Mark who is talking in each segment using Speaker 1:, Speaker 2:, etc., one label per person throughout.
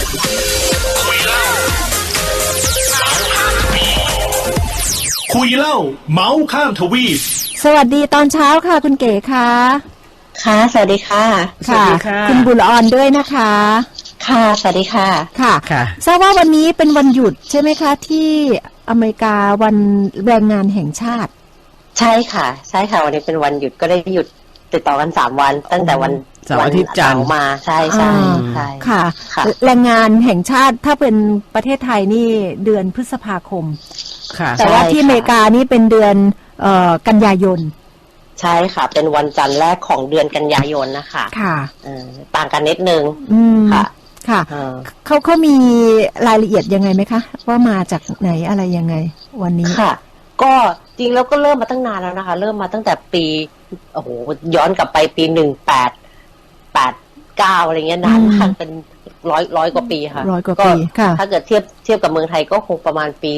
Speaker 1: คุยเล่าเมาส์ข้ามทวีป
Speaker 2: สวัสดีตอนเช้าค่ะคุณเก๋ค่ะ
Speaker 3: ค่ะสวัสดีค่ะ
Speaker 2: ค่ะคุณบุญออนด้วยนะคะ
Speaker 3: ค่ะสวัสดีค่ะ
Speaker 2: ค่ะทราบว่าวันนี้เป็นวันหยุดใช่ไหมคะที่อเมริกาวันแรงงานแห่งชาติ
Speaker 3: ใช่ค่ะใช่ค่ะวันนี้เป็นวันหยุดก็ได้หยุดติดต่อกัน3 วันตั้งแต่วัน
Speaker 4: เสาร์อาทิตย์จันทร์
Speaker 3: มาใช่ใช่
Speaker 2: ค่ะแรงงานแห่งชาติถ้าเป็นประเทศไทยนี่เดือนพฤษภาคมแต่ว่าที่อเมริกานี่เป็นเดือนกันยายน
Speaker 3: ใช่ค่ะเป็นวันจันทร์แรกของเดือนกันยายนนะคะ
Speaker 2: ค่ะ
Speaker 3: ต่างกันนิดนึง
Speaker 2: ค่ะค่ะเขามีรายละเอียดยังไงไหมคะว่ามาจากไหนอะไรยังไงวันนี้
Speaker 3: ค่ะก็จริงแล้วก็เริ่มมาตั้งนานแล้วนะคะเริ่มมาตั้งแต่ปีโอ้โหย้อนกลับไปปี1889อะไรเงี้ยนานมากเป็นร้อยกว่าปีค่ะ
Speaker 2: 100 กว่าปีค่ะ
Speaker 3: ถ้าเกิดเทียบกับเมืองไทยก็คงประมาณปี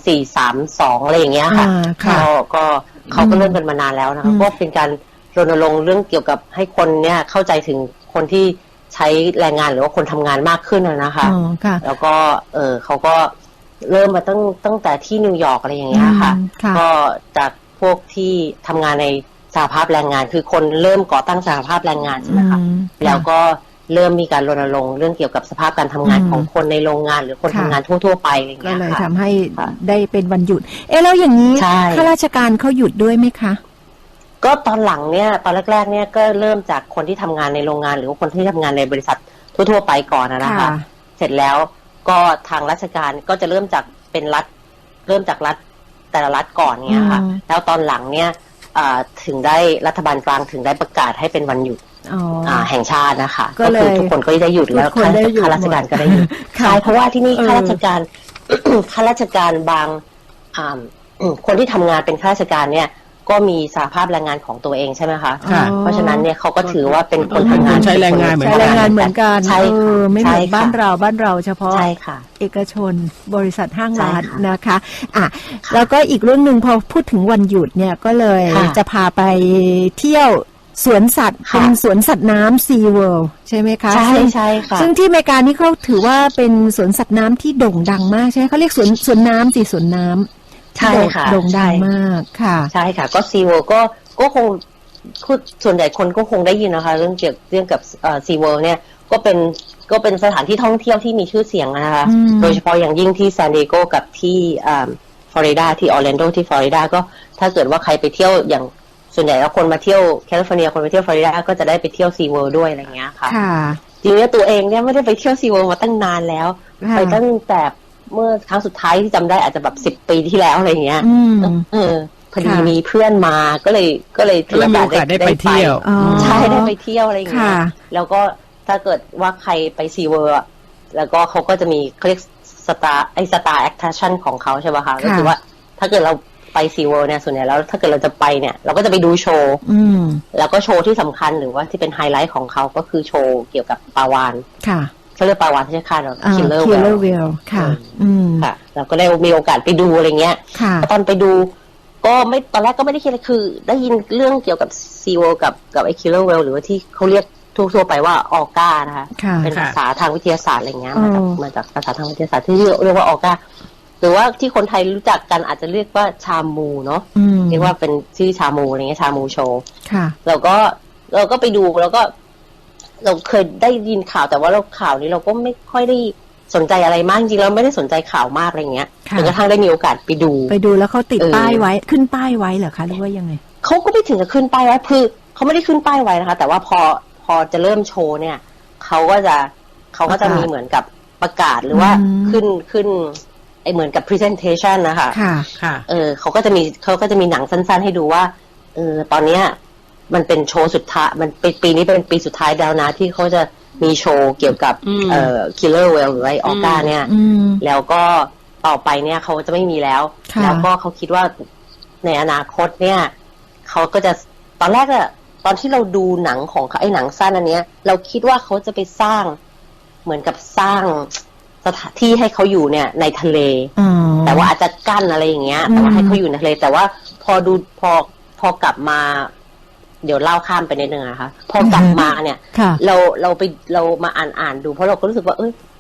Speaker 3: 2432อะไรอย่างเงี้ยค่ะก็เขาก็เริ่มกันมานานแล้วนะคะก็เป็นการรณรงค์เรื่องเกี่ยวกับให้คนเนี่ยเข้าใจถึงคนที่ใช้แรงงานหรือว่าคนทำงานมากขึ้นนะคะแล้วก็เขาก็เริ่มมาตั้งแต่ที่นิวยอร์กอะไรอย่างเงี้ยค่ะก็จากพวกที่ทำงานในสหภาพแรงงานคือคนเริ่มก่อตั้งสหภาพแรงงานใช่ไหมคะแล้วก็เริ่มมีการรณรงค์เรื่องเกี่ยวกับสภาพการทำงานของคนในโรงงานหรือคนทำงานทั่วๆไปอะไรอย่างเงี้ย
Speaker 2: ก็เลยทำให้ได้เป็นวันหยุดแล้วอย่างนี้ข้าราชการเขาหยุดด้วยไหมคะ
Speaker 3: ก็ตอนหลังเนี่ยตอนแรกๆเนี่ยก็เริ่มจากคนที่ทำงานในโรงงานหรือว่าคนที่ทำงานในบริษัททั่วๆไปก่อนนะคะเสร็จแล้วก็ทางราชการก็จะเริ่มจากเป็นรัฐเริ่มจากรัฐแต่ละรัฐก่อนเนี่ยค่ะแล้วตอนหลังเนี่ยถึงได้รัฐบาลกลางถึงได้ประกาศให้เป็นวันหยุดแห่งชาตินะคะก็คือทุกคนก็ได้หยุดแล้วข้าราชการก็ได้หยุดใช่เพราะว่าที่นี่ข้าราชการ ข้าราชการบางคนที่ทำงานเป็นข้าราชการเนี่ยก็มีสหภาพแรงงานของตัวเองใช่ไหมคะเพราะฉะนั้นเนี่ยเขาก็ถือว่าเป็นคนทำงาน
Speaker 4: ใช้แรงงานเหมื
Speaker 2: อนกัน
Speaker 3: ใช่
Speaker 2: ไม่เหมือนบ้านเราเฉพาะ
Speaker 3: ใช่ค่ะ
Speaker 2: เอกชนบริษัทห้างร้านนะคะแล้วก็อีกเรื่องหนึ่งพอพูดถึงวันหยุดเนี่ยก็เลยจะพาไปเที่ยวสวนสัตว์เป็นสวนสัตว์น้ำซีเวิลด์ใช่ไหมคะ
Speaker 3: ใช่ค่ะ
Speaker 2: ซึ่งที่อเมริกานี่เขาถือว่าเป็นสวนสัตว์น้ำที่โด่งดังมากใช่ไหมเขาเรียกสวนน้ำสวนน้ำ
Speaker 3: ใช่ค่ะ
Speaker 2: โด่งดังมากค่ะ
Speaker 3: ใช่ค่ะก็ซีเวิลด์ก็คงส่วนใหญ่คนก็คงได้ยินนะคะเรื่องกับซีเวิลด์เนี่ยก็เป็นสถานที่ท่องเที่ยวที่มีชื่อเสียงนะคะโดยเฉพาะอย่างยิ่งที่ซานดิเอโกกับที่ฟลอริดาที่ออร์แลนโดที่ฟลอริดาก็ถ้าเกิดว่าใครไปเที่ยวอย่างส่วนใหญ่แล้วคนมาเที่ยวแคลิฟอร์เนียคนไปเที่ยวฟลอริดาก็จะได้ไปเที่ยวซีเวิลด์ด้วยอะไรเงี้ยค่ะจริงๆตัวเองเนี่ยไม่ได้ไปเที่ยวซีเวิลด์มาตั้งนานแล้วไปตั้งแต่เมื่อครั้งสุดท้ายที่จำได้อาจจะแบบ10 ปีที่แล้วอะไรเงี้ยพอดีมีเพื่อนมาก็เลยถือโอกาส
Speaker 4: ได้ไปเที่ยว
Speaker 3: ใช่ได้ไปเที่ยวอะไรเงี้ยแล้วก็ถ้าเกิดว่าใครไปซีเวิลด์แล้วก็เขาก็จะมีเขาเรียกสตาร์แอคชั่นของเขาใช่ป่ะคะก็คือว่าถ้าเกิดเราไปซีเวิลด์เนี่ยส่วนใหญ่แล้วถ้าเกิดเราจะไปเนี่ยเราก็จะไปดูโชว์แล้วก็โชว์ที่สำคัญหรือว่าที่เป็นไฮไลท์ของเขาก็คือโชว์เกี่ยวกับปลาวาฬเขาเรียกปลาวาฬที่ใช่ค่ะคิลเลอร์
Speaker 2: เวลค่ะ
Speaker 3: ค่ะเราก็ได้มีโอกาสไปดูอะไรเงี้ยตอนไปดูก็ไม่ตอนแรกก็ไม่ได้คิดอะไรคือได้ยินเรื่องเกี่ยวกับซีเวิลด์กับไอ้คิลเลอร์เวลหรือว่าที่เขาเรียกทั่วไปว่าออก้านะคะเป็นภาษาทางวิทยาศาสตร์อะไรเงี้ยมาจากภาษาทางวิทยาศาสตร์ที่เรียกว่าออก้าหรือว่าที่คนไทยรู้จักกันอาจจะเรียกว่าชามูเนาะเรียกว่าเป็นชื่อชามูอะไรเงี้ยชามูโชว์เราก็ไปดูแล้วก็เราเคยได้ยินข่าวแต่ว่าข่าวนี้เราก็ไม่ค่อยได้สนใจอะไรมากจริงๆเราไม่ได้สนใจข่าวมากอะไรเงี้ยจนกระทั่งได้มีโอกาสไปดู
Speaker 2: แล้วเขาติดป้ายไว้ขึ้นป้ายไว้เหรอคะหรือว่ายังไง
Speaker 3: เขาก็ไม่ถึงกับขึ้นป้ายไว้คือเขาไม่ได้ขึ้นป้ายไว้นะคะแต่ว่าพอจะเริ่มโชว์เนี่ยเขาก็จะมีเหมือนกับประกาศหรือว่าขึ้นไอเหมือนกับ presentation นะคะเขาก็จะมีหนังสั้นๆให้ดูว่าตอนเนี้ยมันเป็นโชว์สุดท้ายมันปีนี้เป็นปีสุดท้ายแล้วนะที่เขาจะมีโชว์เกี่ยวกับkiller whale หรือไอออก้าเนี่ยแล้วก็ต่อไปเนี่ยเขาจะไม่มีแล้วแล้วก็เขาคิดว่าในอนาคตเนี่ยเขาก็จะตอนแรกอะตอนที่เราดูหนังของไอหนังสั้นอันเนี้ยเราคิดว่าเขาจะไปสร้างเหมือนกับสร้างสถานที่ให้เขาอยู่เนี่ยในทะเลแต่ว่าอาจจะกั้นอะไรอย่างเงี้ยแต่ว่าให้เขาอยู่ในทะเลแต่ว่าพอกลับมาเดี๋ยวเล่าข้ามไปนิดนึงนะคะพอกลับมาเนี่ยเรามาอ่านดูเพราะเราก็รู้สึกว่า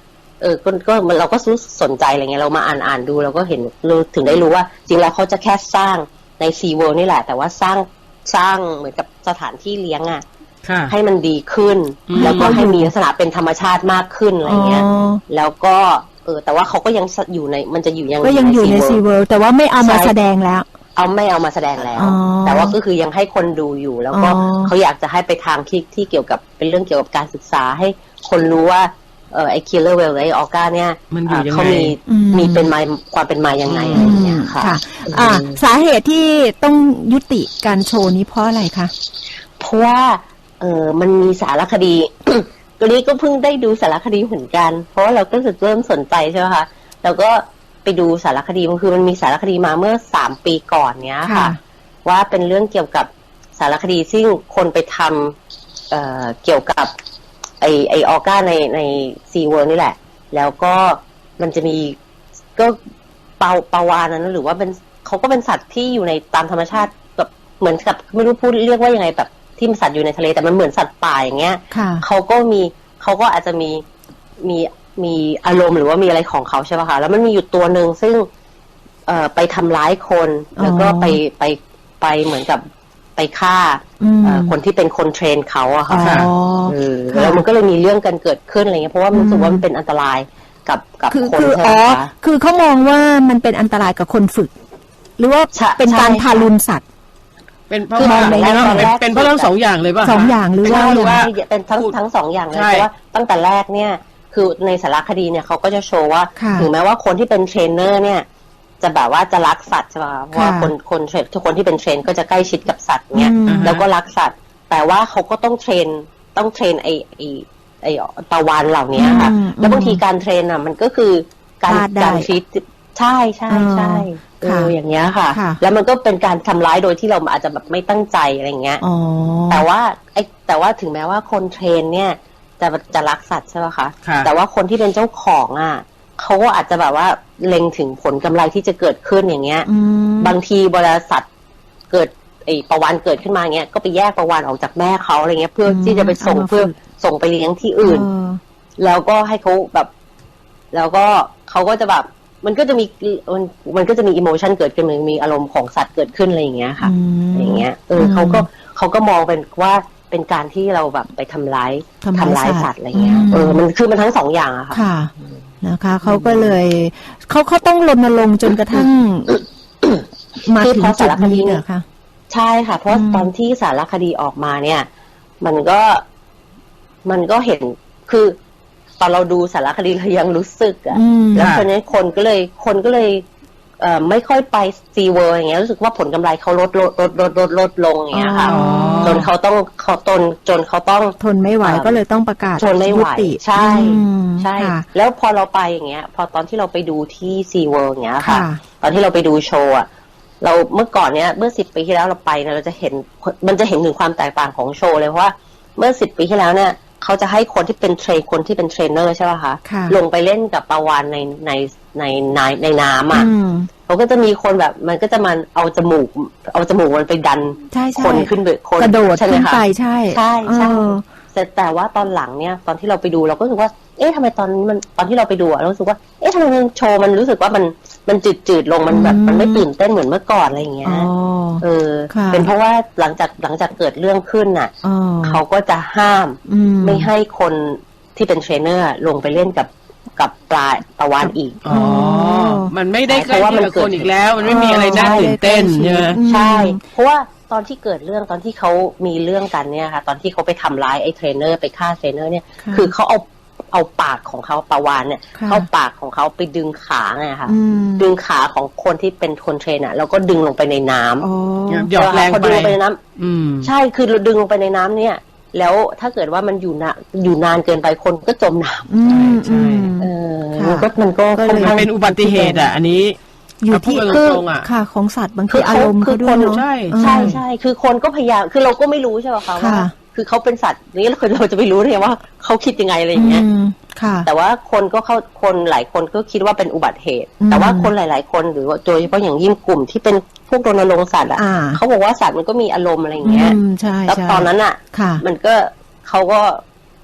Speaker 3: ก็เราก็สนใจอะไรเงี้ยเรามาอ่านดูเราก็เห็นถึงได้รู้ว่าจริงแล้วเขาจะแค่สร้างใน Sea World นี่แหละแต่ว่าสร้างเหมือนกับสถานที่เลี้ยงอ่ะให้มันดีขึ้นแล้วก็ให้มีลักษณะเป็นธรรมชาติมากขึ้นอะไรเงี้ยแล้วก็แต่ว่าเขาก็ยังอยู่ในมันจะอยู่ยังอยู่ใน
Speaker 2: Sea World แต่ว่าไม่เอามาแสดงแล้ว
Speaker 3: ไม่เอามาแสดงแล้วแต่ว่าก็คือยังให้คนดูอยู่แล้วก็เขาอยากจะให้ไปทางที่เกี่ยวกับเป็นเรื่องเกี่ยวกับการศึกษาให้คนรู้ว่าไอ้ Killer Whale ไอ้ออก้าเนี่ยเขามีเป็นมาความเป็นมายังไงอะไรอย่างเงี้ยค่ะ
Speaker 2: สาเหตุที่ต้องยุติการโชว์นี้เพราะอะไรคะ
Speaker 3: เพราะว่ามันมีสารคดี ตัวนี้ก็เพิ่งได้ดูสารคดีเหมือนกันเพราะว่าเราก็รู้สึกเริ่มสนใจใช่ไหมคะแล้วก็ไปดูสารคดีมันมีสารคดีมาเมื่อ3 ปีก่อนเนี้ยค่ะว่าเป็นเรื่องเกี่ยวกับสารคดีซึ่งคนไปทำเกี่ยวกับไอออก้าในซีเวิร์นี่แหละแล้วก็มันจะมีก็ปลาวาฬนั้นหรือว่าเป็นเขาก็เป็นสัตว์ที่อยู่ในตามธรรมชาติแบบเหมือนกับไม่รู้พูดเรียกว่ายังไงแบบที่มันสัตว์อยู่ในทะเลแต่มันเหมือนสัตว์ป่าอย่างเงี้ยเขาก็อาจจะมีอารมณ์หรือว่ามีอะไรของเขาใช่ป่ะคะแล้วมันมีอยู่ตัวหนึ่งซึ่งไปทำร้ายคนแล้วก็ไปเหมือนกับไปฆ่าคนที่เป็นคนเทรนเขาอะค่ะแล้วมันก็เลยมีเรื่องกันเกิดขึ้นอะไรเงี้ยเพราะว่ามันรู้สึกว่ามันเป็นอันตรายกับคนใช่ไหมคะ
Speaker 2: คือเขามองว่ามันเป็นอันตรายกับคนฝึกหรือว่าเป็นการทารุณสัตว์
Speaker 4: เป็นเพราะว่าเป็นเพราะทั้ง2 อย่างเลยป่ะ
Speaker 2: 2 อย่างหรือว่า
Speaker 3: เป็นทั้ง2 อย่างเลยเพราะว่าตั้งแต่แรกเนี่ยคือในสารคดีเนี่ยเขาก็จะโชว์ว่าถึงแม้ว่าคนที่เป็นเทรนเนอร์เนี่ยจะแบบว่าจะรักสัตว์ใช่ไหมเพราะว่าทุกคนที่เป็นเทรนก็จะใกล้ชิดกับสัตว์เนี่ยแล้วก็รักสัตว์แต่ว่าเขาก็ต้องเทรนไอปลาวาฬเหล่านี้ค่ะแล้วบางทีการเทรนอ่ะมันก็คือการฟีดใช่อย่างเงี้ยค่ะแล้วมันก็เป็นการทำร้ายโดยที่เราอาจจะแบบไม่ตั้งใจอะไรเงี้ยแต่ว่าถึงแม้ว่าคนเทรนเนี่ยจะรักสัตว์ใช่ไหมคะแต่ว่าคนที่เป็นเจ้าของอ่ะเขาก็อาจจะแบบว่าเล็งถึงผลกำไรที่จะเกิดขึ้นอย่างเงี้ยบางทีบริษัทเกิดปลาวาฬเกิดขึ้นมาเงี้ยก็ไปแยกปลาวาฬออกจากแม่เขาอะไรเงี้ยเพื่อที่จะไปส่งไปเลี้ยงที่อื่นแล้วก็ให้เขาแบบแล้วก็เขาก็จะแบบมันก็จะมีอิโมชันเกิดขึ้นมีอารมณ์ของสัตว์เกิดขึ้นอะไรอย่างเงี้ยค่ะอย่างเงี้ยเขาก็มองเป็นว่าเป็นการที่เราแบบไปทำร้ายสัตว์อะไรเงี้ยมันทั้ง2 อย่างอะค่ะ
Speaker 2: นะคะเขาก็เลยเขาต้องรณรงค์จนกระทั่งมาถึงจุดนี้เหรอคะ
Speaker 3: ใช่ค่ะเพราะตอนที่สารคดีออกมาเนี่ยมันก็เห็นคือตอนเราดูสารคดีเรายังรู้สึกอะแล้วตอนนี้คนก็เลยไม่ค่อยไปซีเวิร์อย่างเงี้ยรู้สึกว่าผลกำไรเขาลดลงอย่างเงี้ยค่ะจนเขาต้อง
Speaker 2: ทนไม่ไหวก็เลยต้องประกาศ
Speaker 3: ทนไม่ไหวใช่แล้วพอเราไปอย่างเงี้ยพอตอนที่เราไปดูที่ซีเวิร์อย่างเงี้ยค่ะตอนที่เราไปดูโชว์อะเราเมื่อก่อนเนี้ยเมื่อ10 ปีที่แล้วเราไปเนี่ยเราจะเห็นถึงความแตกต่างของโชว์เลยเพราะว่าเมื่อ10 ปีที่แล้วเนี่ยเขาจะให้คนที่เป็นเทรนเนอร์ใช่ป่ะคะลงไปเล่นกับปลาวาฬในน้ำอ่ะเขาก็จะมีคนแบบมันก็จะมาเอาจมูกมันไปดันคนขึ้นไปคน
Speaker 2: กระโดดขึ้นไปใช่
Speaker 3: แต่ว่าตอนหลังเนี่ยตอนที่เราไปดูเราก็รู้สึกว่าทำไมตอนที่เราไปดูเรารู้สึกว่าทำไมโชว์มันรู้สึกว่ามันจืดลงมันแบบมันไม่ตื่นเต้นเหมือนเมื่อก่อนอะไรอย่างเงี้ยเป็นเพราะว่าหลังจากเกิดเรื่องขึ้นน่ะเขาก็จะห้ามไม่ให้คนที่เป็นเทรนเนอร์ลงไปเล่นกับปลาวาฬอีก
Speaker 4: มันไม่ได้ใกล้ชิดกับคนอีกแล้วมันไม่มีอะไรน่าตื่นเต้น
Speaker 3: ใช่เพราะว่าตอนที่เกิดเรื่องตอนที่เขามีเรื่องกันเนี่ยค่ะตอนที่เขาไปทำร้ายไอ้เทรนเนอร์ไปฆ่าเทรนเนอร์เนี่ยคือเขาเอาปากของเขาปลาวาฬเนี่ยเข้าปากของเขาไปดึงขาไงค่ะดึงขาของคนที่เป็นคนเทรนอ่ะแล้วก็ดึงลงไปในน้
Speaker 4: ำหยอดแรงไป
Speaker 3: ดึงลงไปในน้ำใช่คือเราดึงลงไปในน้ำเนี่ยแล้วถ้าเกิดว่ามันอยู่นานเกินไปคนก็จมน้
Speaker 4: ำใช่
Speaker 3: มันก็
Speaker 4: เป็นอุบัติเหตุอ่ะอันนี้
Speaker 2: อยู่ที่ค่ะของสัตว์บางทีอารมณ์เขาด้วยเนาะ
Speaker 3: ใช่คือคนก็พยายามคือเราก็ไม่รู้ใช่ไหมคะว่าคือเขาเป็นสัตว์นี้เราจะไปรู้ได้ไงว่าเขาคิดยังไงอะไรอย่างเงี้ยแต่ว่าคนหลายคนก็คิดว่าเป็นอุบัติเหตุแต่ว่าคนหลายๆคนหรือว่าโดยเฉพาะอย่างยิ่งกลุ่มที่เป็นพวกรณรงค์สัตว์อ่ะเขาบอกว่าสัตว์มันก็มีอารมณ์อะไรอย่างเงี้ยแล้วตอนนั้นอ่ะมันก็เขาก็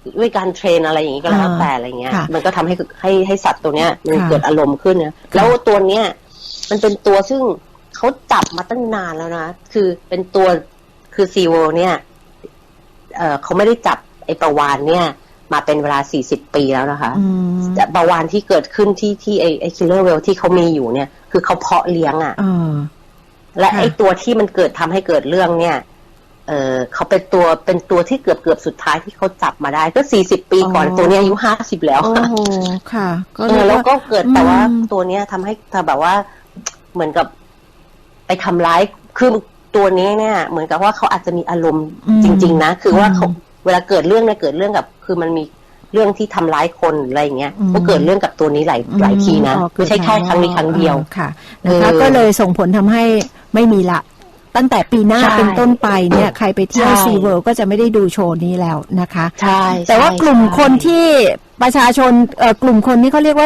Speaker 3: ด้วยการเทรนอะไรอย่างนี้ก็แล้วแต่อะไรเงี้ยมันก็ทำให้สัตว์ตัวเนี้ยมันเกิดอารมณ์ขึ้นนะแล้วตัวเนี้ยมันเป็นตัวซึ่งเขาจับมาตั้งนานแล้วนะคือเป็นตัวคือซีเวิลด์เนี่ยเขาไม่ได้จับไอ้ปลาวาฬเนี่ยมาเป็นเวลา40 ปีแล้วนะคะแต่ปลาวาฬที่เกิดขึ้นที่ไอ้คิลเลอร์เวลที่เขามีอยู่เนี่ยคือเขาเพาะเลี้ยงอ่ะและไอ้ตัวที่มันเกิดทำให้เกิดเรื่องเนี่ยเขาเป็นตัวที่เกือบสุดท้ายที่เขาจับมาได้ก็40 ปีก่อนตัวนี้อายุ50แล้ว
Speaker 2: ค่ะ
Speaker 3: แล้วก็เกิดแต่ว่าตัวเนี้ยทำให้แบบว่าเหมือนกับไปทำร้ายคือตัวนี้เนี่ยเหมือนกับว่าเขาอาจจะมีอารมณ์จริงๆนะคือว่าเขาเวลาเกิดเรื่องเนี่ยเกิดเรื่องกับคือมันมีเรื่องที่ทำร้ายคนอะไรอย่างเงี้ยก็เกิดเรื่องกับตัวนี้หลายทีนะไม่ใช่แค่ครั้งนี้ครั้งเดียว
Speaker 2: ค่ะนะคะก็เลยส่งผลทำให้ไม่มีละตั้งแต่ปีหน้าเป็นต้นไปเนี่ยใครไปเที่ยวซีเวิลด์ก็จะไม่ได้ดูโชว์นี้แล้วนะคะ
Speaker 3: ใช่
Speaker 2: แต่ว่ากลุ่มคนที่ประชาชนกลุ่มคนที่เขาเรียกว่า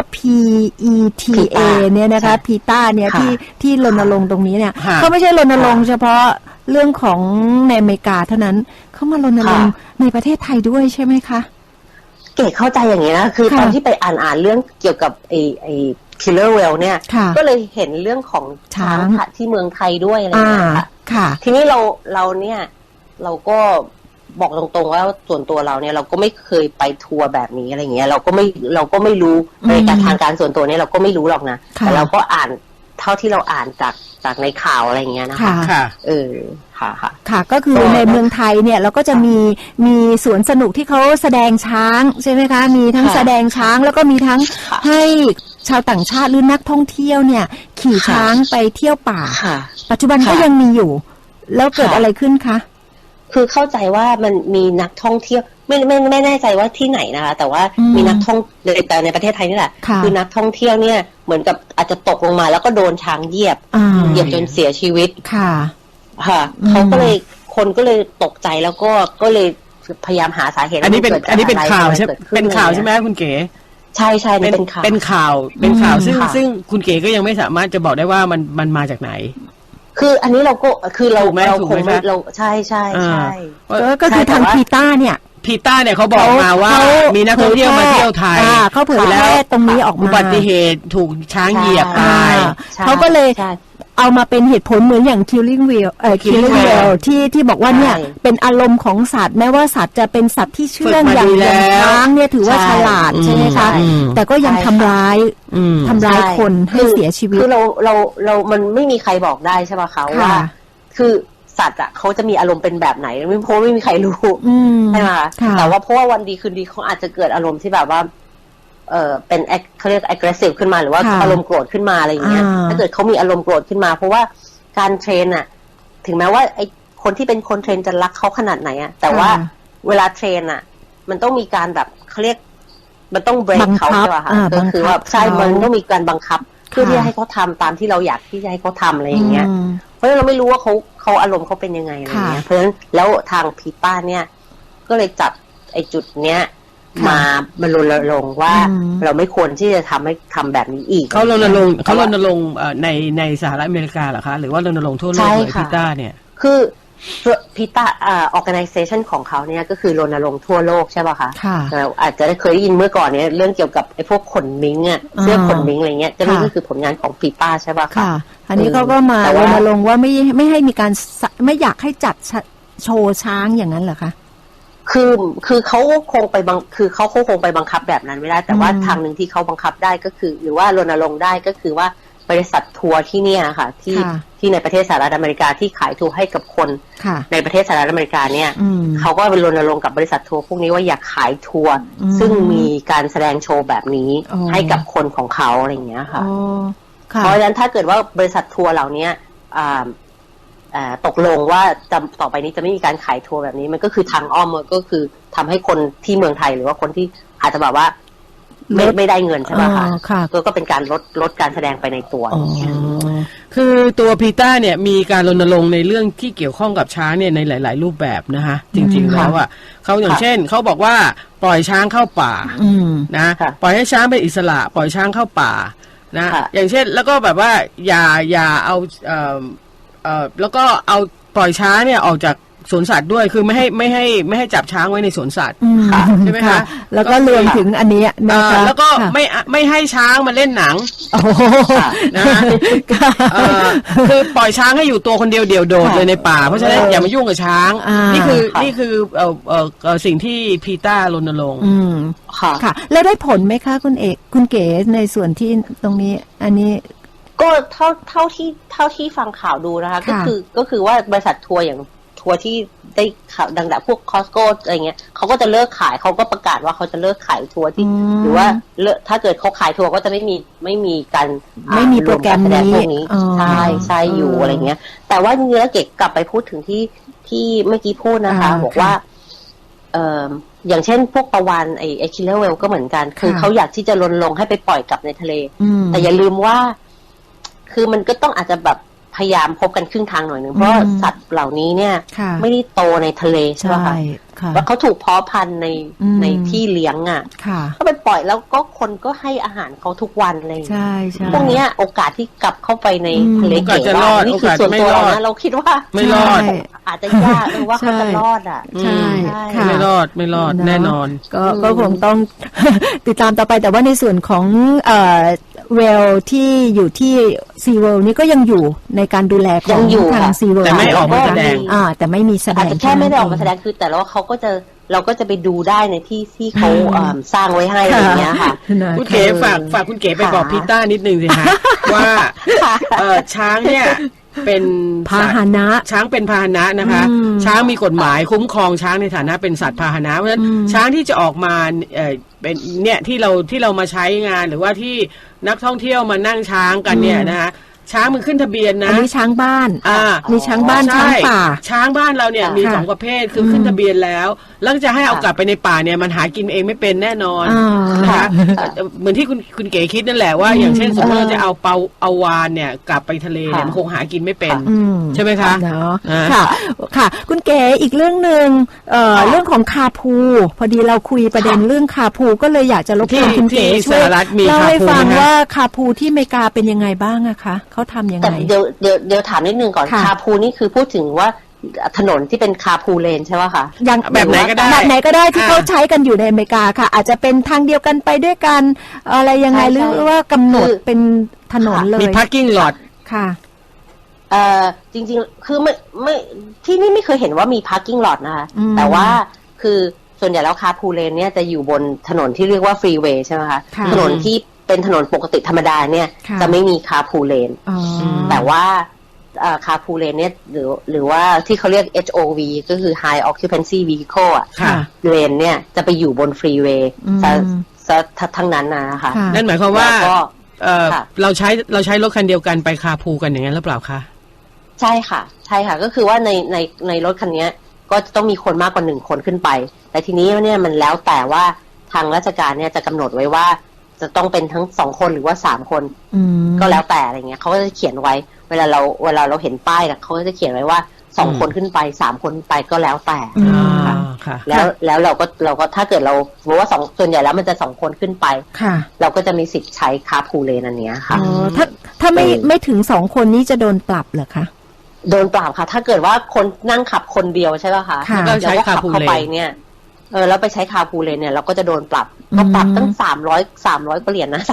Speaker 2: PETA เนี่ยนะคะพีต้าเนี่ยที่รณรงค์ตรงนี้เนี่ยเขาไม่ใช่รณรงค์เฉพาะเรื่องของในอเมริกาเท่านั้นเขามารณรงค์ในประเทศไทยด้วยใช่ไหมคะ
Speaker 3: เก๋เข้าใจอย่างนี้นะคือตอนที่ไปอ่านเรื่องเกี่ยวกับไอ้Killer Whale เนี่ยก็เลยเห็นเรื่องของช้างที่เมืองไทยด้วยอะไรอย่างเงี้ยค่ะทีนี้เราเนี่ยเราก็บอกตรงๆว่าส่วนตัวเราเนี่ยเราก็ไม่เคยไปทัวร์แบบนี้อะไรเงี้ยเราก็ไม่รู้ในการทางการส่วนตัวเนี่ยเราก็ไม่รู้หรอกนะแต่เราก็อ่านเท่าที่เราอ่านจากในข่าวอะไรเงี้ยนะคะ
Speaker 2: ค่ะ
Speaker 3: ค่ะ
Speaker 2: ก็คือในเมืองไทยเนี่ยเราก็จะมีสวนสนุกที่เขาแสดงช้างใช่ไหมคะมีทั้งแสดงช้างแล้วก็มีทั้งให้ชาวต่างชาติหรือนักท่องเที่ยวเนี่ยขี่ช้างไปเที่ยวป่าปัจจุบันก็ยังมีอยู่แล้วเกิดอะไรขึ้นคะ
Speaker 3: คือเข้าใจว่ามันมีนักท่องเที่ยวไม่แน่ใจว่าที่ไหนนะคะแต่ว่ามีนักท่องแต่ในประเทศไทยนี่แหละคือนักท่องเที่ยวเนี่ยเหมือนกับอาจจะตกลงมาแล้วก็โดนช้างเหยียบจนเสียชีวิตค่ะเขาก็เลยคนก็เลยตกใจแล้วก็เลยพยายามหาสาเหตุ
Speaker 4: อันนี้เป็นข่าวใช่เป็นข่าวใช่ไหมคุณเก๋
Speaker 3: ใช่เป็นข่าว
Speaker 4: เป็นข่าวซึ่งคุณเก๋ก็ยังไม่สามารถจะบอกได้ว่ามันมาจากไหน
Speaker 3: คืออันนี้เราก็คือเราคงไม่เราใช่
Speaker 2: ก็คือทางพีต้าเนี่ย
Speaker 4: เขาบอกมาว่ามีนักท่องเที่ยวมาเที่ยวไทย
Speaker 2: เขาเผยแพร่ตรงนี้ออกมา
Speaker 4: อุบัติเหตุถูกช้างเหยียบตาย
Speaker 2: เขาก็เลยเอามาเป็นเหตุผลเหมือนอย่าง Killing Whale ที่บอกว่าเนี่ยเป็นอารมณ์ของสัตว์แม้ว่าสัตว์จะเป็นสัตว์ที่เชื่องอย่างช้างเนี่ยถือว่าฉลาดใช่ไหมคะแต่ก็ยังทำร้ายคนให้เสียชีวิต
Speaker 3: คือเรามันไม่มีใครบอกได้ใช่ป่ะคะว่าคือสัตว์อ่ะเขาจะมีอารมณ์เป็นแบบไหนเพราะไม่มีใครรู้ใช่ไหมแต่ว่าเพราะว่าวันดีคืนดีเขาอาจจะเกิดอารมณ์ที่แบบว่าเป็นเขาเรียก aggressive ขึ้นมาหรือว่าอารมณ์โกรธขึ้นมาอะไรอย่างเงี้ยถ้าเกิดเขามีอารมณ์โกรธขึ้นมาเพราะว่าการเทรนอ่ะถึงแม้ว่าไอ้คนที่เป็นคนเทรนจะรักเขาขนาดไหนอ่ะแต่ว่าเวลาเทรนอ่ะมันต้องมีการแบบเขาเรียกมันต้อง break เขาใช่ป่ะคะก็คือว่าใช่มันต้องมีการบังคับเพื่อที่จะให้เขาทำตามที่เราอยากที่จะให้เขาทำอะไรอย่างเงี้ยเพราะฉะนั้นเราไม่รู้ว่าเขาอารมณ์เขาเป็นยังไงอะไรเงี้ยเพราะฉะนั้นแล้วทางพีต้าเนี่ยก็เลยจับไอ้จุดเนี้ยมารณรงค์ว่าเราไม่ควรที่จะทำแบบนี้อีก
Speaker 4: เขารณรงค์ในสหรัฐอเมริกาเหรอคะหรือว่ารณรงค์ทั่วโลกเลยพีต้าเนี่ย
Speaker 3: คือพีต้าorganization ของเขาเนี่ยก็คือรณรงค์ทั่วโลกใช่ป่ะคะเราอาจจะได้เคยได้ยินเมื่อก่อนเนี่ยเรื่องเกี่ยวกับไอ้พวกขนมิงอ่ะเสื้อขนมิงอะไรเงี้ยนี่ก็คือผลงานของพีต้าใช่ป่ะคะ
Speaker 2: อันนี้เขาก็มารณรงค์ว่าไม่ให้มีการไม่อยากให้จัดโชว์ช้างอย่างนั้นเหรอคะ
Speaker 3: คือเขาคงไปเขาคงไปบังคับแบบนั้นไม่ได้แต่ว่าทางหนึ่งที่เขาบังคับได้ก็คือหรือว่ารณรงค์ได้ก็คือว่าบริษัททัวร์ที่เนี่ยค่ะที่ในประเทศสหรัฐอเมริกาที่ขายทัวร์ให้กับคนในประเทศสหรัฐอเมริกาเนี่ยเขาก็ไปรณรงค์กับบริษัททัวร์พวกนี้ว่าอย่าขายทัวร์ซึ่งมีการแสดงโชว์แบบนี้ให้กับคนของเขาอะไรอย่างเงี้ยค่ะเพราะฉะนั้นถ้าเกิดว่าบริษัททัวร์เหล่านี้ตกลงว่าต่อไปนี้จะไม่มีการขายทัวร์แบบนี้มันก็คือทางอ้อมก็คือทำให้คนที่เมืองไทยหรือว่าคนที่อาจจะแบบว่าไม่ได้เงินใช่ไหมคะก็เป็นการลดการแสดงไปในตัว
Speaker 4: คือตัวพีต้าเนี่ยมีการรณรงค์ในเรื่องที่เกี่ยวข้องกับช้างเนี่ยในหลายๆรูปแบบนะคะจริงๆแล้วอ่ะเขาอย่างเช่นเขาบอกว่าปล่อยช้างเข้าป่านะปล่อยให้ช้างเป็นอิสระปล่อยช้างเข้าป่านะอย่างเช่นแล้วก็แบบว่าอย่าเอาแล้วก็เอาปล่อยช้างเนี่ยออกจากสวนสัตว์ด้วยคือไม่ให้จับช้างไว้ในสวนสัตว์ ใช่ไหมคะ
Speaker 2: แล้วก็รวมถึงอันนี้นะคะ
Speaker 4: แล้วก็ไม่ให้ช้างมาเล่นหนัง
Speaker 2: โอ้โห
Speaker 4: นะคือปล่อยช้างให้อยู่ตัวคนเดียวเดี่ยวโดดเลยในป่าเพราะฉะนั้นอย่ามายุ่งกับช้างนี่คือสิ่งที่พีต้ารณรงค์
Speaker 2: ค่ะแล้วได้ผลไหมคะคุณเอกคุณเก๋ในส่วนที่ตรงนี้อันนี้
Speaker 3: ก็เท่าที่ฟังข่าวดูนะคะก็คือว่าบริษัททัวร์อย่างทัวร์ที่ได้ข่าวดังๆพวกคอสโก้อะไรเงี้ยเขาก็จะเลิกขายเขาก็ประกาศว่าเขาจะเลิกขายทัวร์ที่หรือว่าถ้าเกิดเขาขายทัวร์ก็จะไม่มีการ
Speaker 2: ไม่มีโปรแกรม
Speaker 3: นี้ใช่อยู่อะไรเงี้ยแต่ว่าเนื้อเก็บกลับไปพูดถึงที่เมื่อกี้พูดนะคะบอกว่าอย่างเช่นพวกปลาวาฬไอ้คิลเลอร์เวลก็เหมือนกันคือเขาอยากที่จะรณรงค์ให้ไปปล่อยกลับในทะเลแต่อย่าลืมว่าคือมันก็ต้องอาจจะแบบพยายามพบกันครึ่งทางหน่อยนึงเพราะสัตว์เหล่านี้เนี่ยไม่ได้โตในทะเลใช่ไหมคะว่าเขาถูกเพาะพันธุ์ในที่เลี้ยงอ่ะก็ไปปล่อยแล้วก็คนก็ให้อาหารเขาทุกวันเลยพวกนี้โอกาสที่กลับเข้าไปในทะเลเก๋ว่านี่คือส่วนตัวเรานะเราคิดว่า
Speaker 4: ไม่รอด
Speaker 3: อาจจะยากว่าเขาจะรอดอ่ะ
Speaker 4: ใช่ไม่รอดแน่นอน
Speaker 2: ก็คงต้องติดตามต่อไปแต่ว่าในส่วนของเวลที่อยู่ที่ซีเวิลด์นี่ก็ยังอยู่ในการดูแลของทางซีเวิลด์
Speaker 4: แต่ไม่ออกมาแสดง
Speaker 2: แต่ไม่มีแสดง
Speaker 3: อาจจะแค่ไม่ได้ออกมาแสดงคือแต่แล้วเราก็จะไปดูได้ในที่เขาสร้างไว้ให้อะไรเงี้ยค่ะ
Speaker 4: คุณเก๋ฝากคุณเก๋ไปบอกพีต้านิดนึงสิคะว่าช้างเนี่ยเป็น
Speaker 2: พาหนะ
Speaker 4: ช้างเป็นพาหนะนะคะช้างมีกฎหมายคุ้มครองช้างในฐานะเป็นสัตว์พาหนะเพราะฉะนั้นช้างที่จะออกมาเป็นเนี่ยที่เรามาใช้งานหรือว่าที่นักท่องเที่ยวมานั่งช้างกันเนี่ยนะคะช้างมันขึ้นทะเบียนนะ
Speaker 2: อันนี้ช้างบ้านมีช้างบ้านช้างป่า
Speaker 4: ช้างบ้านเราเนี่ยมี2ประเภทคือขึ้นทะเบียนแล้วจะให้เอากลับไปในป่าเนี่ยมันหากินเองไม่เป็นแน่นอนนะคะเหมือนที่คุณเก๋คิดนั่นแหละว่าอย่างเช่นสมมติเราจะเอาวาฬเนี่ยกลับไปทะเลเนี่ยมันคงหากินไม่เป็นใช่ไหมคะ
Speaker 2: ค่ะคุณเก๋อีกเรื่องนึงเรื่องของคาพูพอดีเราคุยประเด็นเรื่องคาพูก็เลยอยากจะรบกวนคุณเก๋ช่วยเล่าให้ฟังว่าคาพูที่อเมริกาเป็นยังไงบ้างอะคะเขาทำยังไง
Speaker 3: แต่เดี๋ยวถามนิดนึงก่อนคาพูนี่คือพูดถึงว่าถนนที่เป็นคาพูเลนใช่ไหมคะ
Speaker 2: อย่างแบบไหนก็ได้ที่เขาใช้กันอยู่ในอเมริกาค่ะอาจจะเป็นทางเดียวกันไปด้วยกันอะไรยังไงหรือว่ากำหนดเป็นถนนเลย
Speaker 4: มี parking lot
Speaker 2: ค่ะ
Speaker 3: จริงๆคือไม่ที่นี่ไม่เคยเห็นว่ามี parking lot นะคะแต่ว่าคือส่วนใหญ่แล้วคาพูเลนเนี่ยจะอยู่บนถนนที่เรียกว่าฟรีเวย์ใช่ไหมคะถนนที่เป็นถนนปกติธรรมดาเนี่ยจะไม่มีคาพูเลนแต่ว่าคาพูเลนเนี่ยหรือว่าที่เขาเรียก HOV ก็คือ High Occupancy Vehicle อ่ะเลนเนี่ยจะไปอยู่บนฟรีเวย์ทั้งนั้นนะคะ
Speaker 4: นั่นหมายความว่าเราใช้รถคันเดียวกันไปคาพูกันอย่างนั้นหรือเปล่าคะ
Speaker 3: ใช่ค่ะก็คือว่าในรถคันนี้ก็จะต้องมีคนมากกว่า1คนขึ้นไปแต่ทีนี้เนี่ยมันแล้วแต่ว่าทางราชการเนี่ยจะกำหนดไว้ว่าจะต้องเป็นทั้ง2คนหรือว่า3คนก็แล้วแต่อะไรเงี้ยเขาก็จะเขียนไว้เวลาเราเห็นป้ายเขาก็จะเขียนไว้ว่า2คนขึ้นไป3คนไปก็แล้วแต่ค่ะแล้วเราก็ถ้าเกิดเราสมมติว่าส่วนใหญ่แล้วมันจะ2คนขึ้นไปเราก็จะมีสิทธิ์ใช้คาพูเลนอันนี้ค่ะ
Speaker 2: ถ้าไม่ถึง2คนนี้จะโดนปรับเหรอคะ
Speaker 3: โดนปรับค่ะถ้าเกิดว่าคนนั่งขับคนเดียวใช่ป่ะคะ
Speaker 4: แล้วก็ขับ
Speaker 3: เข้าไปเนี่ยแล้วไปใช้คาพูเลนเนี่ยเราก็จะโดนปรับก็ปรับตั้ง300เหรียญนะ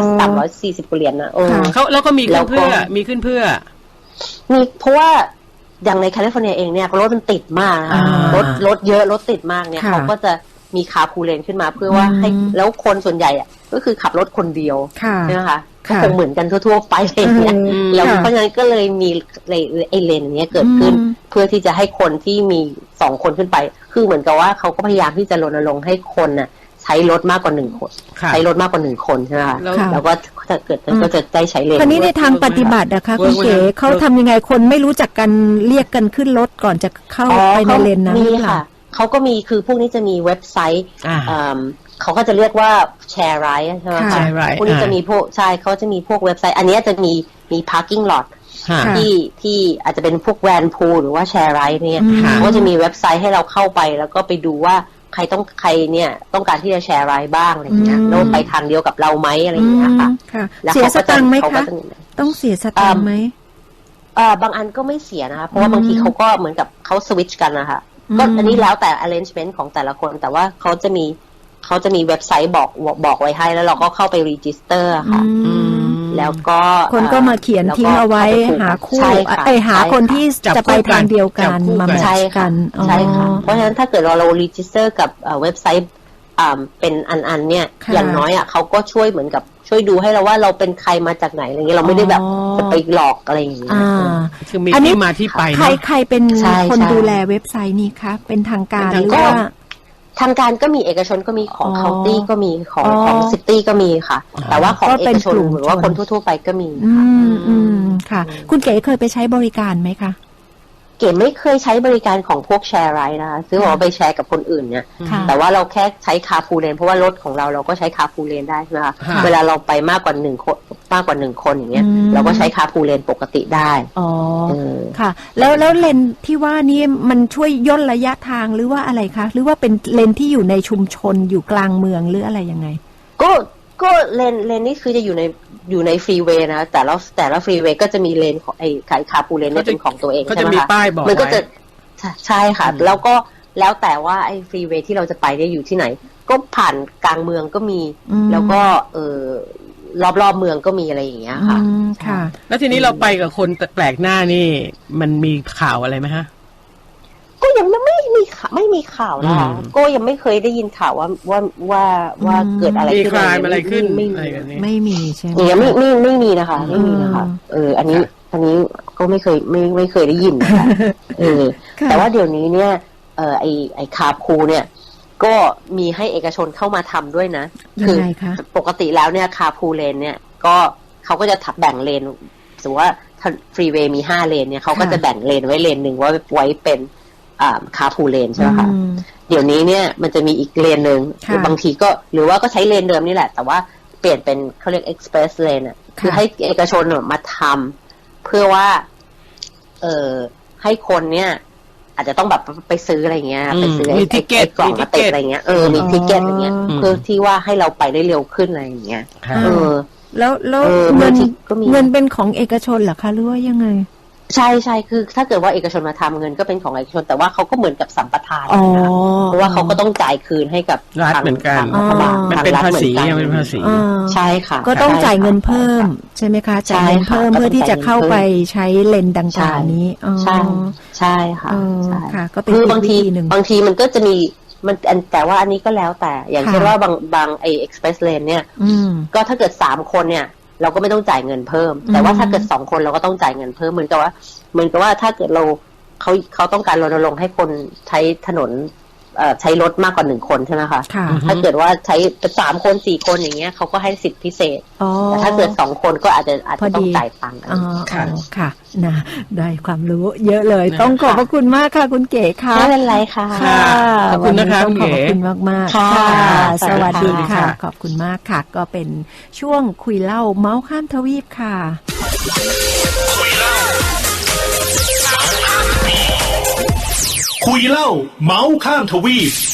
Speaker 3: 340เหรียญนะ
Speaker 4: เขาแล้วก็มีขึ้นเพื่อ
Speaker 3: มีเพราะว่าอย่างในแคลิฟอร์เนียเองเนี่ยรถมันติดมากรถเยอะรถติดมากเนี่ยเขาก็จะมีคาพูเลนขึ้นมาเพื่อว่าให้แล้วคนส่วนใหญ่อ่ะก็คือขับรถคนเดียวใช่ไหมคะก็คงเหมือนกันทั่วๆไปเลยเนี่ยแล้วเพราะฉะนั้นก็เลยมีไอเลนนี้เกิดขึ้นเพื่อที่จะให้คนที่มี2คนขึ้นไปคือเหมือนกับว่าเขาก็พยายามที่จะรณรงค์ให้คนน่ะใช้รถมากกว่า1คนใช้รถมากกว่า1คนใช่ไหมคะแล้วก็ถ้าเกิดก็จะได้ใช้เลน
Speaker 2: คราวนี้ในทางปฏิบัตินะคะคุณเก๋เขาทำยังไงคนไม่รู้จักกันเรียกกันขึ้นรถก่อนจะเข้าไปในเลนนั้น
Speaker 3: นี่ค่ะเขาก็มีคือพวกนี้จะมีเว็บไซต์เขาก็จะเรียกว่าแชร์ไรด์ใช่ไหมคะพวกนี้จะมีพวกใช่เขาจะมีพวกเว็บไซต์อันนี้จะมี parking lot ที่อาจจะเป็นพวกแวนพูลหรือว่าแชร์ไรด์เนี่ยก็จะมีเว็บไซต์ให้เราเข้าไปแล้วก็ไปดูว่าใครเนี่ยต้องการที่จะแชร์ไรด์บ้างอะไรเงี้ยแล้วไปทางเดียวกับเราไหมอะไรอย่างเงี้ยค่ะ
Speaker 2: เสียสตังค์ไหมคะต้องเสียสตังค์ไหม
Speaker 3: บางอันก็ไม่เสียนะคะเพราะว่าบางทีเขาก็เหมือนกับเขาสวิตช์กันนะคะก็อันนี้แล้วแต่ arrangement ของแต่ละคนแต่ว่าเขาจะมีเว็บไซต์บอกไว้ให้แล้วเราก็เข้าไป register ค่ะแล้วก็
Speaker 2: คนก็มาเขียนทิ้งเอาไว้หาคู่หาคนที่จะไปทางเดียวกันมาแมทช์กัน
Speaker 3: ใช่ค่ะเพราะฉะนั้นถ้าเกิดเรา register กับเว็บไซต์เป็นอันเนี่ยอย่างน้อยเขาก็ช่วยเหมือนกับช่วยดูให้เราว่าเราเป็นใครมาจากไหนอะไรเงี้ยเราไม่ได้แบบจะไปหลอกอะไรอย่างเงี้ย
Speaker 4: คือมีที่มาที่ไป
Speaker 2: ใครเป็นคนดูแลเว็บไซต์นี้คะเป็นทางการหรือว่า
Speaker 3: ทางการก็มีเอกชนก็มีของเคาน์ตี้ก็มีของซิตี้ก็มีค่ะแต่ว่าของเอกชนหรือว่าคนทั่วๆไปก็มี
Speaker 2: ค่ะคุณเก๋เคยไปใช้บริการไหมคะ
Speaker 3: เก๋ไม่เคยใช้บริการของพวกแชร์ไรด์นะคะซื้อของไปแชร์กับคนอื่นเนี่ยแต่ว่าเราแค่ใช้คาร์พูลเลนเพราะว่ารถของเราก็ใช้คาร์พูลเลนได้ใช่ไหมคะเวลาเราไปมากกว่า1 คนอย่างเงี้ยเราก็ใช้คาร์พูลเลนปกติได้
Speaker 2: อ๋อค่ะแล้วเลนที่ว่านี้มันช่วยย่นระยะทางหรือว่าอะไรคะหรือว่าเป็นเลนที่อยู่ในชุมชนอยู่กลางเมืองหรืออะไรยังไง
Speaker 3: ก็เลนนี่คือจะอยู่ในฟรีเวย์นะแต่ละฟรีเวย์ก็จะมีเลนของไอ้คาร์พูลเลนเนี่ยเป็นของตัวเองใช่ไหมคะมันก็จะใช่ค่ะแล้วแต่ว่าไอ้ฟรีเวย์ที่เราจะไปได้อยู่ที่ไหนก็ผ่านกลางเมืองก็มีแล้วก็รอบเมืองก็มีอะไรอย่างเงี้ยค่ะ
Speaker 2: ค่ะ
Speaker 4: แล้วทีนี้เราไปกับคนแปลกหน้านี่มันมีข่าวอะไรไหมฮะ
Speaker 3: ก็ยังไม่มีข่าวนะคะก็ยังไม่เคยได้ยินข่าวว่าเกิดอะไรขึ้น
Speaker 4: อะไรขึ้น
Speaker 2: ไม่มีใช่ไหม
Speaker 3: ยังไม่มีนะคะไม่มีนะคะอันนี้ก็ไม่เคยได้ยินนะคะแต่ว่าเดี๋ยวนี้เนี่ยไอคาร์พูลเนี่ยก็มีให้เอกชนเข้ามาทำด้วยนะ
Speaker 2: คือ
Speaker 3: ปกติแล้วเนี่ยคาร์พูลเลนเนี่ยก็เขาก็จะแบ่งเลนสมมติว่าฟรีเวย์มี5เลนเนี่ยเขาก็จะแบ่งเลนไว้เลนหนึ่งไว้เป็นคาร์พูลเลนใช่ไหมคะเดี๋ยวนี้เนี่ยมันจะมีอีกเลนหนึ่งบางทีก็หรือว่าก็ใช้เลนเดิมนี่แหละแต่ว่าเปลี่ยนเป็นเขาเรียก express lane คือให้เอกชนมาทำเพื่อว่าให้คนเนี่ยอาจจะต้องแบบไปซื้ออะไรเงี้ยไปซื้อไอ้กล่องมาติดอะไรเงี้ยมีทิเก็ตอะไรเงี้ยเพื่อที่ว่าให้เราไปได้เร็วขึ้นอะไรอย่างเงี้ย
Speaker 2: แล้วเงินเป็นของเอกชนเหรอคะหรือว่ายังไง
Speaker 3: ใช่คือถ้าเกิดว่าเอกชนมาทำเงินก็เป็นของเอกชนแต่ว่าเขาก็เหมือนกับสัมปทานนะเพราะว่าเขาก็ต้องจ่ายคืนให้กับ
Speaker 4: รัฐเหมือนกันมันเป็นภาษีเป็นภาษี
Speaker 3: ใช่ค่ะ
Speaker 2: ก็ต้องจ่ายเงินเพิ่มใช่ไหมคะจ่ายเงินเพิ่มเพื่อที่จะเข้าไปใช้เลนดังกล่าวนี้
Speaker 3: ใช่ค่ะ
Speaker 2: ก็เป็น
Speaker 3: บางทีมันก็จะมีมันแต่ว่าอันนี้ก็แล้วแต่อย่างเช่นว่าบางไอ้ express lane เนี่ยก็ถ้าเกิด3 คนเนี่ยเราก็ไม่ต้องจ่ายเงินเพิ่มแต่ว่าถ้าเกิด2 คนเราก็ต้องจ่ายเงินเพิ่มเหมือนกับว่าถ้าเกิดเขาต้องการรณรงค์ให้คนใช้ถนนใช้รถมากกว่า1 คนใช่ไหมคะถ้าเกิดว่าใช้3 คน4 คนอย่างเงี้ยเขาก็ให้สิทธิพิเศษแต่ถ้าเกิด2 คนก็อาจจะต้องจ่ายตังค์
Speaker 2: ค่ะนะได้ความรู้เยอะเลยต้องขอบพระคุณมากค่ะคุณเก๋ค่ะ
Speaker 3: ไม่เป็นไรค่ะ
Speaker 4: ขอบคุณนะคะคุณเก๋
Speaker 2: ขอบคุณมากๆค่ะสวัสดีค่ะขอบคุณมากค่ะก็เป็นช่วงคุยเล่าเมาส์ข้ามทวีปค่ะ
Speaker 1: คุยเล่าเมาส์ข้ามทวีป